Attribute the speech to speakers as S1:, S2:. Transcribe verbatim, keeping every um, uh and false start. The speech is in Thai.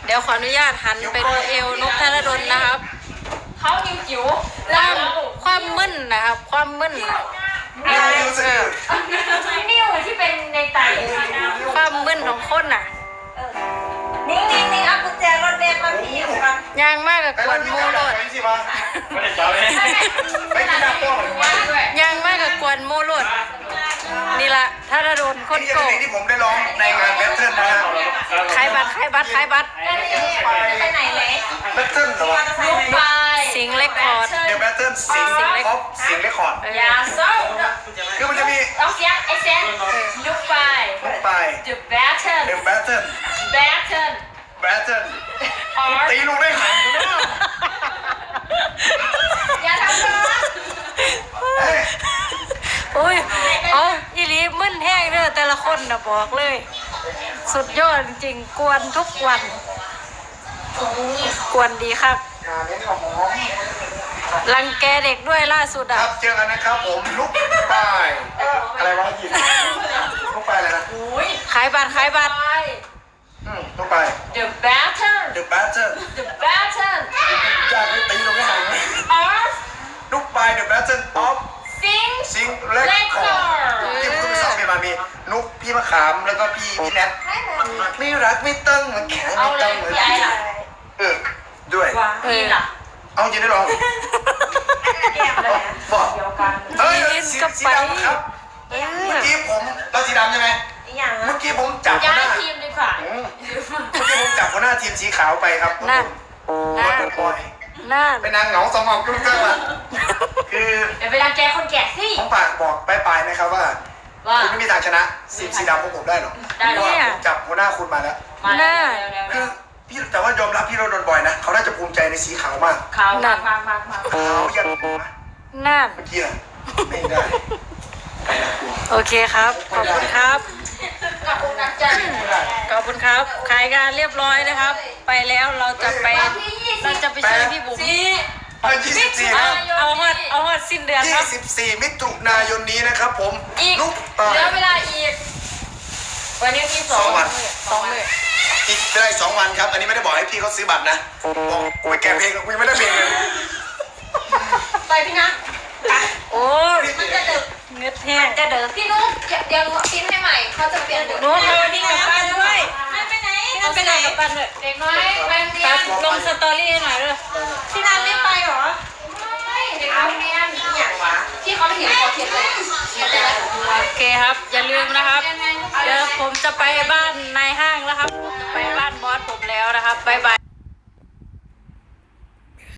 S1: ดี๋ยวขออนุญาตหันไปดูเอวนกธนดลนะครับ
S2: เขานิ้วจิ๋ว
S1: ความความมึนนะครับความมึน
S2: นิ้วที่เป็นในไต
S1: ความมึนของคนน่ะ
S2: นิ่งนิ่งนิ่งเอากุญแจรถเมล์มาพี่ครับ
S1: ยางมากกับกวนโมโลดยางมากกับกวนโมโลดนี่ละธนดลคนโกง
S3: ที่ผมได้ร้องในงานแบทเทิลนะฮะ
S1: ขายบัตรขายบัตรขายบัตร
S2: ไปไหนเลย
S3: แบทเทิลเหรอ
S2: ไป
S1: สิงเล็กคอร์ด
S3: เดี๋ยวแบทเทิลสิงเล็กคอร์ดสิงเล็กคอร์ด
S2: ยาโซ่
S3: คือมันจะมี
S2: ต้องเสียงไอเซนลุกไป
S3: ลุกไป
S2: The Battle
S3: The Battle
S2: Battle
S3: Battle ตีลูกได้หัน
S2: อย่าทำนะ
S1: โอ้ยเอาอีหลีมึนแห้งเด้อแต่ละคนนะบอกเลยสุดยอดจริงๆกวนทุกวันกวนดีครับรังแกเด็กด้วยล่าสุดอ่ะ
S3: ครับเจอกันนะครับผมลุกไปอะไรวะยินลุกไปอะไรนะ
S1: ขายบัตรขายบัตร
S3: อืมลุกไป
S2: The Battle
S3: The Battle
S2: The Battle
S3: อยากไปตีลูกได้หัน
S2: of
S3: ลุกไป The Battle of
S2: Sing
S3: ซิงเล็กคอร์ที่ผมคือสองเพลงมามีนุ๊กพี่มะขามแล้วก็พี่พี่แนทไม่รักไม่ตั้งมันแข็งไม่ตั้งเหมือนพี่เออด้วย
S2: เออ
S3: เอาจริงได้หรอบอกเฮ้ยสีสีดำครับเมื่อกี้ผมเราสีดำใช่ไหมเมื่อกี้ผมจับหัวหน้า
S2: ทีมดีกว่า
S3: เมื่อกี้ผมจับหัวหน้าทีมสีขาวไปครับ
S1: นั่น
S3: นั่นบอย
S1: นั่น
S3: เป็นนางเหงาสองหอกจุ๊บจ้าว่ะคือ
S2: เดี๋ยวเวลาแกคนแก่สิ
S3: ผมฝากบอกไปไปนะครับว่าคุณไม่มีทางชนะสีสีดำพวกผมได้หรอกเพราะว่าผมจับหัวหน้าคุณมาแล้ว
S1: น่า
S3: คือพี่แต่ว่ายอมรับพี่เราโดนบ่อยนะเขาน่าจะภูมิใจในสีขาวมาก
S2: ขาวมากมากมากมาก
S3: ขาวยัน
S1: น่า
S3: เมื่อกี้อะไม่ได้
S1: โอเคครับขอบคุณครับ
S2: ขอบคุณนะจ๊ะ
S1: ขอบคุณครับขายงานเรียบร้อยนะครับไปแล้วเราจะไปเราจะไปช่วยพี่บุ๋ม
S3: เอายี่สิบสี่ครับ
S1: เอาฮอดเอาฮอดสิ้นเดือนครับ
S3: ยี่สิบสี่มิถุนายนนี้นะครับผม
S2: อีกเหลือเวลาอีกวันนี้ที่สองวัน
S1: สองเลย
S3: อีกได้สองวันครับอันนี้ไม่ได้บอกให้พี่เขาซื้อบัตรนะบอกไปแกะเพลงกูไม่ได้เพลงเลย
S2: ไปพี่นะ
S1: โอ้
S2: มันจะดึก
S1: เงือแห้ง
S2: จะเดินพี่นุ๊กเดี๋ยวพิมพ์ให้ใหม่เขาจะเปลี่ยน
S1: นุ๊กเอาวันนี้กลับบ้านด้วย
S2: ไปไหน
S1: ไปไหนกลับบ้านเลย
S2: เด็กน้อยไปเรียน
S1: ลงสตอรี่ให้หน่อยเลย
S2: พี่นันไม่ไปหรอไม่เด็กน้อยเรียนอย่างวะที่เขาเห็นเขาเขียนเลย
S1: โอเคครับอย่าลืมนะครับเดี๋ยวผมจะไปบ้านนายห้างแล้วครับไปบ้านบอสผมแล้วนะครับบ๊ายบาย